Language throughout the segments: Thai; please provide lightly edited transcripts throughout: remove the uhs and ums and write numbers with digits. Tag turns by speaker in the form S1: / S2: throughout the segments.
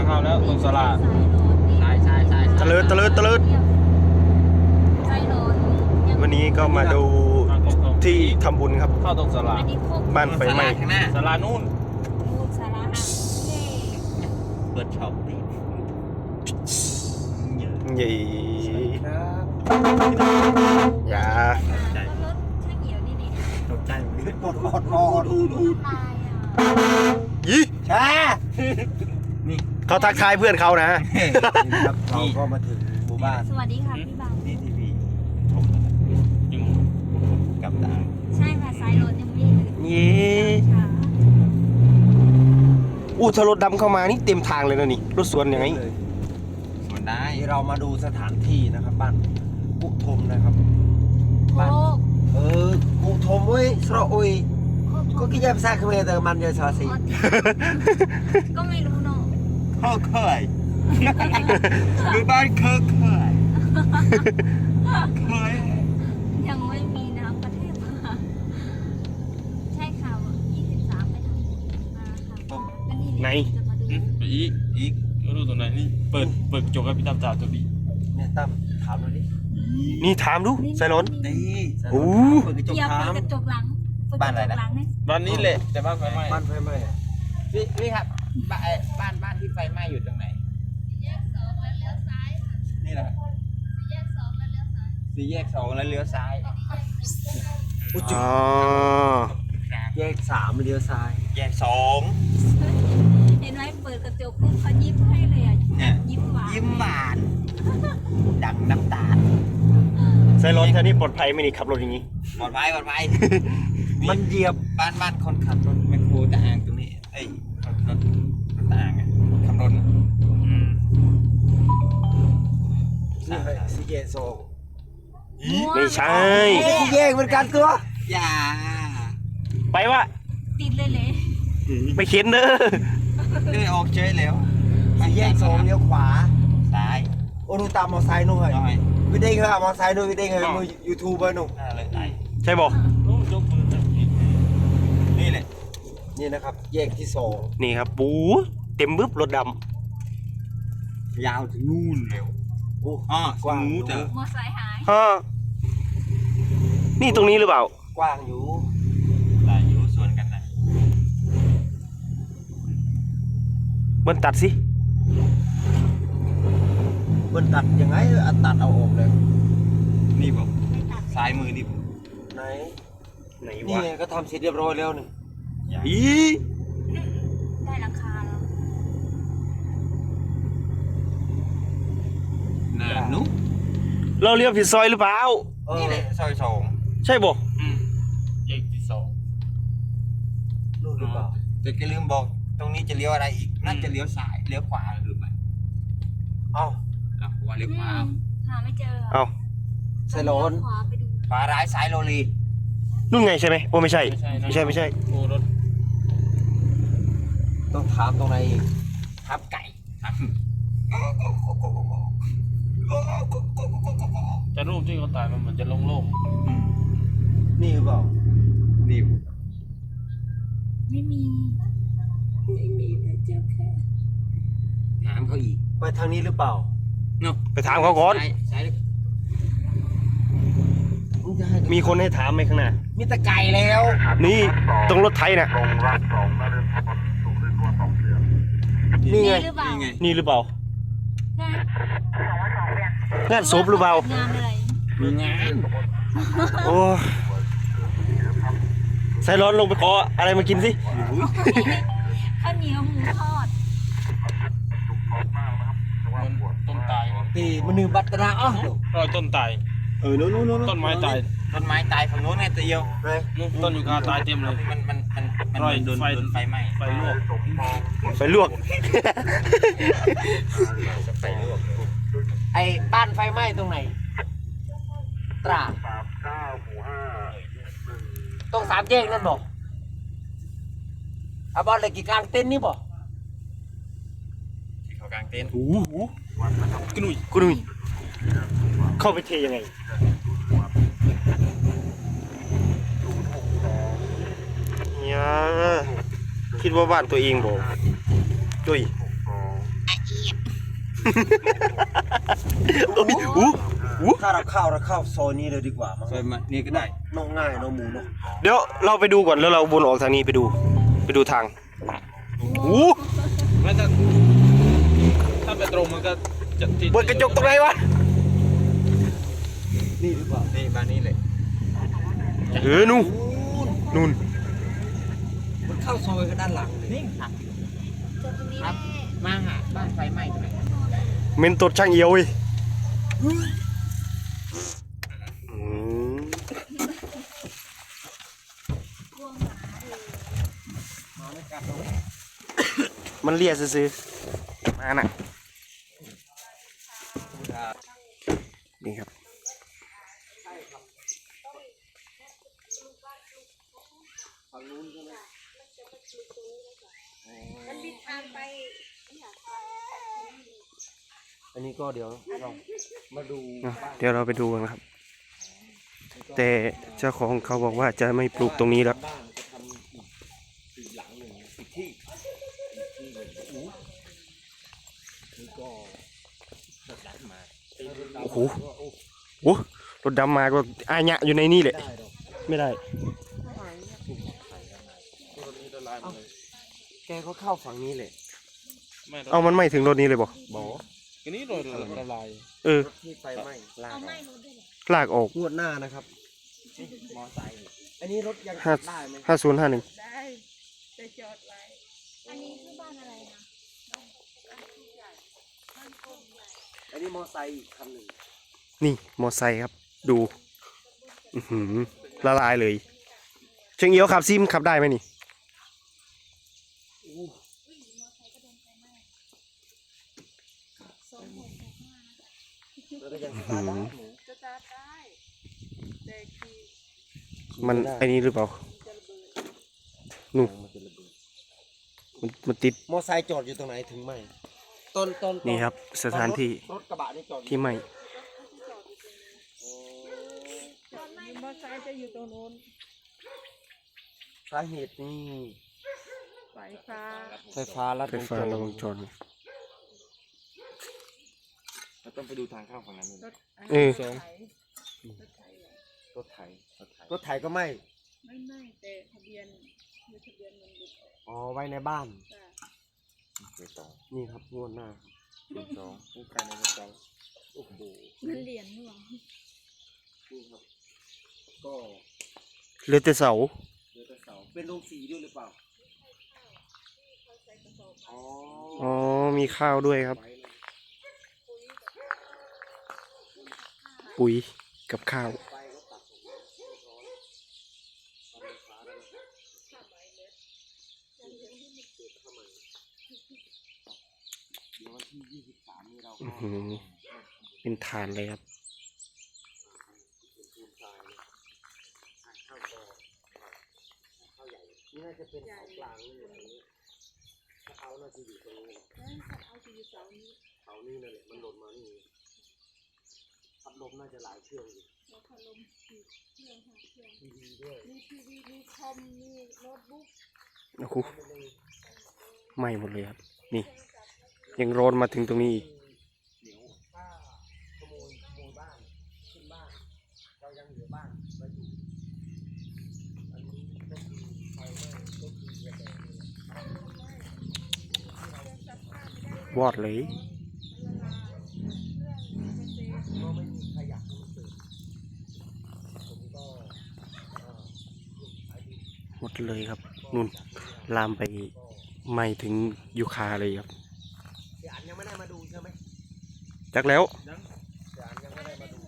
S1: เข้าแล้วตรงสลา
S2: ใช่
S3: ตะเลิดวันนี้ก็มาดูที่ทำบุญครับ
S1: เข้าตรงสลา
S3: บ้านไฟไหม้
S2: ข้างหน้า
S1: สลานู่น
S2: เปิดช็อปดิ
S3: ใหญ่อย่า
S2: ตกใจหมด
S3: ยี่
S2: ใช่นี่
S3: เขาทักทายเพื่อนเขานะ
S2: ครับเราก็มาถึงหมู่บ้าน
S4: สวัสดีค่ะพี่บาง
S2: นี่ทีวีชมอยู่กับตา
S4: ใช่ค่ะสายรถยังไม่ถึง
S3: เย้อู้ถ้ารถดำเข้ามานี่เต็มทางเลยนะนี่รถสวนยังไง
S2: ส่วนได้
S5: นี่เรามาดูสถานที่นะครับบ้านกุทมนะครับ
S4: โค
S5: บ้าน
S4: ก
S5: กุทมเว้ยสระอุยก็คิดจะภาษาเขมรแต่มันจะสาสี
S4: ก็ไม่รู้เนาะ
S2: เคยหมู่บ้านเคย
S4: ยังไม่มีน้ำประเทศมาใช่ค่ะ23ไปทำบุญมาค่ะก็นี่จะมาดู
S1: ไปอีกไม่รู้ตรงไหนนี่เปิดกระจกให้พี่ตามจ่าตัวดี
S5: เนี่ยตั้มถามหน่อยดิ
S3: นี่ถามดูใส่รถ
S2: นี่
S3: โอ้
S5: เปิดกระจก
S4: อย่า
S5: ถา
S4: เปิด
S5: ม
S4: กระจกหลังเปิดกระจกหลังเนี่ย
S1: บ้านนี้แหละแต่บ้านไฟไหม้
S5: บ้านไฟไหม้อะ
S2: พี่ครับบ้านที่ไฟไหม้อยู่ตรงไหนนี่แหละสี่แยกสองแล้วเลี้ยวซ้าย
S3: อ๋อ
S5: แยก3เลี้ยวซ้าย
S2: แยกสอง
S4: เห็นไหมเปิดกระจกปุ๊บเขายิ้มให้เลยอ่ะ
S2: เนี่ย
S4: ยิ้มหวาน
S2: ยิ้มหวานดังน้ำตาล
S3: ใส่รถแค่นี้ปลอดภัยไหมนี่ขับรถอย่างนี้
S2: ปลอดภัย
S5: มันเหยียบ
S2: บ้านคนขับรถแมคโครตะอางตรงนี้เอ้ยรถตะอางอ่ะขับรถอ่ะ
S5: นี่ไงสี่แยก2
S3: ไม่ใช่
S5: สี่แยกเหมือนกันตัว
S2: อย่า
S3: ไปวะ
S4: ติดเลยเลย
S3: ไปเข็นเด้อ
S2: เดินออกเฉยแล้ว
S5: สี่แยก2เลี้ยวขวา
S2: ซ้าย
S5: โอ้ดูตามมอไซค์นู่นเลย
S2: น้อย
S5: วิเด้งเหรอมอไซค์นู่นวิเด้งเหรอมือยูทูบเบอร์นู่น
S2: เลยไหน
S3: ใช่บ่
S1: โอ้ยกมือนะ
S2: นี่แหละ
S5: นี่นะครับแยกที่2
S3: นี่ครับปูเต็มบึ๊บรถด
S2: ยาวถึงนู่นเร็ว
S5: โอ้
S2: อ๋อก
S5: ว้าง
S2: ส
S5: อ
S2: มู
S5: ยู่
S2: ทเจอ
S4: มอไซค์หาย
S3: ำฮะนี่ตรงนี้หรือเปล่า
S5: กว้างอยู่
S2: หลายอยู่ส่วนกันนะ
S3: มันตัดสิ
S5: มันตัดยังไงตัดเอาออกเลย
S2: นี่บอกซ้ายมือนี่บอก
S5: ไหน
S3: ไหน
S5: นี่
S3: วะ
S5: ไงก็ทำเสร็จเรียบร้อยแล้วนี่
S2: อย่า
S3: อี
S4: ได้หลังคาแล้ว
S2: หน้านุ๊ก
S3: เราเลี้ยวผิดซอยหรือเปล่า
S2: นี่แหละซอยสอง
S3: ใช่บ่
S1: แยกที่สอง
S5: นู่นหรือเปล่า
S2: แต่ก็ลืมบอกตรงนี้จะเลี้ยวอะไรอีกน่าจะเลี้ยวซ้ายเลี้ยวขวาหรือเปล่า
S5: เอ้า
S2: อ่ะว่าเลี้ยวขวา
S4: หาไม่เจอ
S3: เอา
S5: ไซโลน
S4: ขวาไปดู
S2: ขวาร้ายซ้ายโรลี
S3: นู่นไงใช่ไหมโอ้ไม่ใช่
S1: นะ
S3: ไม่ใช่
S1: โอ้รถ
S5: ต้องถามตรงไหนอีก
S2: ทับไก่ครับ
S1: แต่รูปที่เขาถ่ายมันเหมือนจะโล่ง
S5: นี่หรือเปล่า
S2: นี่
S4: ไม่มีแต่เจอแค่
S2: ถามเขาอีก
S5: ไปทางนี้หรือเปล่า
S2: เนาะ
S3: ไปถามเขาก่อน
S2: ซ้าย
S5: มึงจะให้
S3: มีคนให้ถามไหมข้างหน้า
S5: มีแต่ไก่แล้ว
S3: นี่ตรงรถไถน่ะ นี่ไง
S4: หรือเปล่า
S2: นี่ไง
S3: นี่หรือเปล่า
S4: ใช่
S3: งานศพหรือเปล่า
S4: งานอะไร
S2: มีงาน
S3: โอ้ใส่ร้อนลงไปขออะไรมากินสิ
S4: ข้าวเหนียวหมูทอด
S1: ๆมันต้นตาย
S5: ตีมันนึงบัตรนาอ้าว
S1: รอยต้นตาย
S5: นู่น
S1: ต้นไม้ตาย
S2: ต้นไม้ตายฝั่งโน้นไงตัวเดียว
S5: ไหน
S1: นู่นต้นยูคาตายเต็มเลย
S2: มัน
S1: รอย
S2: โดน
S1: ไฟ
S2: ไฟไหม้
S1: ไฟลวก
S3: ไปลวก
S2: ไฟลวก
S5: ไอ้บ้านไฟไหม้ตรงไหนตราดตรง3 แยกนั่นบอกอาบอลเลยกี่กลางเต็นท์นี่บอก
S2: ที่เขากางเต็นท์
S3: โอ้โห
S1: กระหนุ่ย
S3: กูดูเข้าไปเทยังไงเนี่ยคิดว่าบ้านตัวเองบอกดุย
S5: ถ้าเราเข้าซอยนี้เลยดีกว่ามั้ง
S2: ซอยมานี่ก็ได้
S5: น้องง่ายน้องหมูเนาะ
S3: เดี๋ยวเราไปดูก่อนแล้วเราวนออกทางนี้ไปดูทางอู้
S1: ไม่ถ้าไปตรงมันก็จะติด
S3: บนกระจกตรงไหนวะ
S5: นี่ดีกว่า
S2: นี่บ้านนี้เลย
S3: นู่น
S5: มันเข้าซอยก็ด้านหลังเลย
S2: นี่หัก
S4: จนตรงนี้
S2: ครับ
S4: แม่
S2: มาหาบ้านไฟไหม้ตรงไหน
S3: เมนตดช่างเอียวเว้ยอืม
S4: กลัวหมาเลย
S5: มาไม่กัดเรา
S3: มันเลียซื้อๆมาน่ะนี่ครับ
S5: ฝั่งนู้นใช่ไหม
S4: มันมีทางไป
S5: อันนี้ก็เดี๋ยวเรามาดู
S3: เดี๋ยวเราไปดูกันครับ แต่เจ้าของเขาบอกว่าจะไม่ปลูกตรงนี้แล้ว
S5: บ้านจะทำอีกหลังหนึ่งอีกที่หนึ่งนี่ก็รถดับมา
S3: โอ้โห โอ้รถดำมาก็อาญะอยู่ในนี่แหละ
S5: ได้ดอก
S3: ไม่ได้
S1: ตัวนี้ละลายหมดเลย
S5: แกก็เข้าฝั่งนี้เลย
S1: ไม่
S3: เอามันไม่ถึงรถนี้เลยบ่
S5: บอก
S1: อันนี้โดนละลาย
S3: เออ
S5: รถที่ไฟไหม้ลาก
S4: เอา
S5: อ
S4: ไม่
S5: อก
S4: รู้ด้วยเหรอ
S3: ลากออก
S5: งวดหน้านะครับ
S2: มอไซค์
S5: อันนี้รถยัง
S3: ห้า
S5: ได้ไหม
S3: 5051
S6: ได้จะจอดไว้
S4: อันนี้คือบ้านอะไรนะ
S5: อันนี้มอไซค์อีกคันหนึ่ง
S3: นี่มอไซค์ครับ ดู อื้อหือละลายเลยเชิงเอียวขับซิมขับได้ไหมนี่
S5: แล้วก็ยัง
S3: อื้อหือ
S6: จะจอดได้แต่คือ
S3: มันไอ้นี้หรือเปล่านู่นมันติด
S5: มอไซค์จอดอยู่ตรงไหนถึงไหมต้น
S3: นี่ครับ สถานที่
S5: รถกระบะนี่จอดอยู่
S3: ที่ไหม่
S6: มอเตอร์ไซค์จะอยู่ตรงโน้น
S5: สาเหตุนี่
S6: สายฟ้า
S5: ไฟฟ้าลัด
S3: ไฟฟ้าระวงจร
S2: เราต้องไปดูทางเข้าฝั่งนั้น
S6: รถ
S3: เออ
S6: รถไถรถไถเหรอ
S2: รถไถ
S5: รถไถก็ไม่
S6: ไม่แต่ทะเบียนมีทะเบียนมันหลุดออก
S5: อ๋อไว้ในบ้าน
S6: จ้ะ
S2: เบอร์สอง
S5: นี่ครับงวดหน้าครับ
S2: เบอร์สองผู้การในเบอร์สอง
S5: โอ้โห
S4: มันเหรียญหรือเปล่า
S5: นี่ครับก็
S3: เหลือแต่เสา
S5: เดือดเสาเป็นโรงสีด้วยหรือเปล่าอ๋อ
S3: อ๋อ มีข้าวด้วยครับ
S5: ไว้เลย
S3: ปุ๋ยกับข้าว
S5: ไฟก็ตัดออกมาเรียบร้อยทำไฟฟ้าได้ไหมเดี๋ยววันที่23นี่เรา
S3: อื้
S5: ก็
S3: อหือเป็นฐานเลยครับ
S5: เป็นปูนทรายเลยทางเข้าก็เข้าใหญ่นี่น่าจะเป็นเสากลางนี่อย่างนี้ถ้าเอาน่าจะอยู่ตรงนี้
S6: แล้วเอาที่อยู่เสานี้
S5: เสานี่นั่นแหละมันหล่นมานี่พัดลมน่าจะหลายเครื่องอยู่
S6: แล้วพัดลมกี่เครื่องห้าเครื่อง
S5: ทีวีด้วย
S6: มีทีวีมีคอมมีโน้ตบุ๊ก
S3: โอ้โหไหม้หมดเลยครับ นี่ ยังร้อนมาถึงตรงนี้อีก
S5: เดี๋ยวถ้าขโมยบ้านขึ้นบ้าน เรายังเหลือบ้านไว้อยู่อันนี้ก็คือไฟไหม้ก็คือระเบิดนี่แหละ
S3: วอดเลย
S5: ก็ไม่มีใครอยากให้มันเกิดผมก็ขายดี
S3: หมดเลยครับ นุ่น ลามไปไหม้ถึงยูคาเลยครับ
S5: เสียอันยังไม่ได้มาดูใช่ไหม
S3: จักแล้ว
S5: เสียอันยังไม่ได้มาดู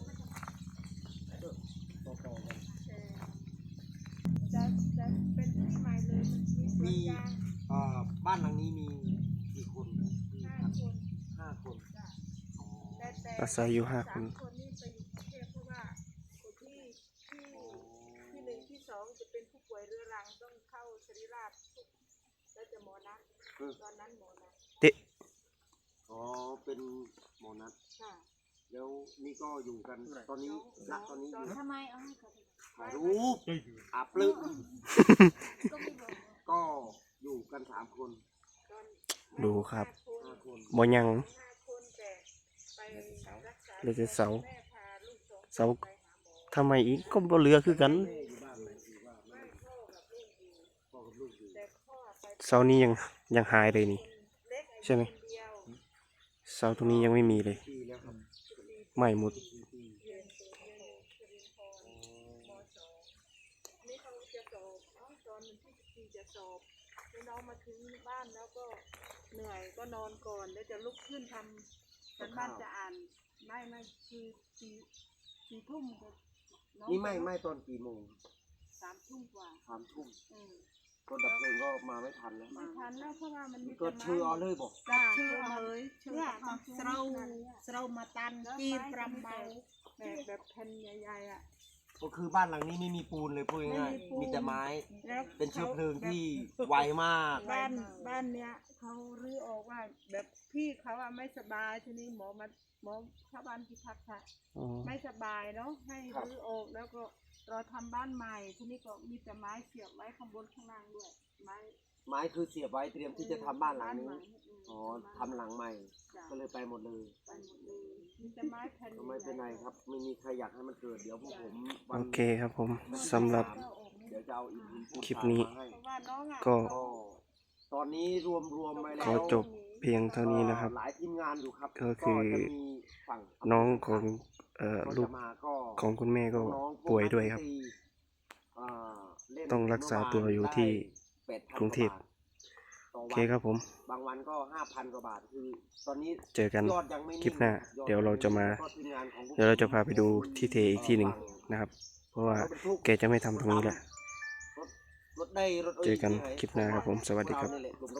S5: ต่อกัน
S6: จะเป็นที่ใหม่เลยมันมีสวนยาง
S5: บ้านหลังนี้มีกี่คนมี
S6: ห้า
S5: ครับ
S6: คน
S5: 5 คนอ๋อ
S6: แต่
S3: อาศัยอยู่5 คน
S6: 3 คนนี่ไปอยู่กรุงเทพเพราะว่าคนที่หนึ่งที่สองจะเป็นผู้ป่วยเรื้อรังต้องเข้าศิริราชแล้วจะหมอนัดตอนนั้นหมอนัด
S5: อ๋อเป็นหมอนัด
S6: ค่ะ
S5: แล้วนี่ก็อยู่กันตอนนี้ณตอนนี้อยู่
S4: ทำไมเอาให้เขาดู
S5: ถ่ายรูปอาปลึก
S4: ก็ไม่บอก
S5: ก็อยู่กัน3 คน
S6: ตอน
S3: ดูครับ
S5: 5 คน
S3: บ่ยัง
S6: 5 คนแต่ไปรักษา
S3: เหลือแต่เสา
S6: แม่พาลูก2
S3: เสา
S6: คนไปหาหมอ
S3: ทำไมอีกก็บ่เหลือคือกัน
S5: แม่อยู่บ้านไหมคือว่าไม่
S6: พ่อกับลูกอยู่
S5: พ่อกับลูกอยู่
S6: แต่พ่อไป
S3: เสานี้ยังหายเลยนี่
S6: เล็ก
S3: ใช่ไหม
S6: คนเดียว
S3: เสาตรงนี้ยังไม่มีเลย
S5: ปีแล้วครับ
S3: ใหม่หมด
S5: ปี
S6: เรียนสิรินทรม.2 นี่เขาจะสอบตอนวันที่14จะสอบแล้วน้องมาถึงบ้านแล้วก็เหนื่อยก็นอนก่อนแล้วจะลุกขึ้นทำกันบ้านจะอ่านไม่คือสี่ทุ่มก็น้อง
S5: นี่ไม่ตอนกี่โมง
S6: 3 ทุ่มกว่า
S5: 3 ทุ่ม
S6: เออ
S5: รถดับเพลิงก็มาไม่ทันแล้ว
S6: ไม่ทันแล้วเพราะว่ามันมี
S5: ก็ชื่อเอาเลยบอก
S6: จ้าชื่อเอาเลยชื่อเรามาตันกีนปรำเบาแบบแผ่นใหญ่ๆอ่ะ
S5: ก็คือบ้านหลังนี้ไม่มีปูนเลยพูดง่าย
S6: ไม่มีปูน
S5: ๆมีแต่ไม้
S6: แล้ว
S5: เป็นเชื้อเพลิงที่ไวมาก
S6: บ้านเนี้ยเขารื้อออกว่าแบบพี่เขาอะไม่สบายทีนี้หมอชาวบ้านพิทักษ์ค่ะ
S3: อ๋อ
S6: ไม่สบายเนาะให้
S5: ครับ
S6: รื้อออกแล้วก็เราทำบ้านใหม่ทีนี้ก็มีแต่ไม้เสียบไว้ข้างบนข้างล่างด้วยไม้
S5: ไม้คือเสียบไว้เตรียมที่จะทำบ้านหลังนี้
S6: ใม่
S5: อ๋อทำหลังใหม่
S6: จ้ะ
S5: ก็เลยไปหมดเลย
S6: ไปหมดเลยมีแต่ไม้แผ่น
S5: ก็ไม่เป็นไรครับ ไม่มีใครอยากให้มันเกิด เดี๋ยวพวกผมวั
S3: โอน เคครับผมสำหรับ
S5: เดี๋ยวจะเอาอิฐหินปูน
S3: คลิปนี้
S5: มาให้
S6: เพราะว่าน้องอะ
S3: ก็
S5: ก็ตอนนี้รวมไปแล้ว
S3: ขอจบเพียงเท่านี้นะครับ
S5: หลายทีมงานอยู่ครับ
S3: ก็คือ
S5: จะมีฝั่ง
S3: น้องของ
S5: ก็
S3: ลู
S5: จะ
S3: ก
S5: มาก็
S3: ของคุณแม่ก็
S5: น้องๆพ
S3: ป่วยด้วยครับ
S5: อ่าเล่น
S3: ต้องรักษาตัวอยู่ที่
S5: ได้8,000
S3: กรุงเทพ
S5: กว่าบาทต่อ
S3: โอ
S5: วัน
S3: เคครับผม
S5: บางวันก็ 5,000 กว่าบาทคือตอนนี้
S3: เจอกัน
S5: ยอดยังไม่
S3: คลิปหน้า
S5: งครับ
S3: เดี๋ยวเราจะมา
S5: แล้วก็ทีงานของพวก
S3: เดี๋ยวเราจะพาไปดูที่เทอีกที่หนึ่งนะครับ เพราะว่าแกจะไม่ทำตรงนี้แหละ
S5: รถได้รถ
S3: เจอกันคลิปหน้าครับผมสวัสดีครับ
S5: เานี่แหละ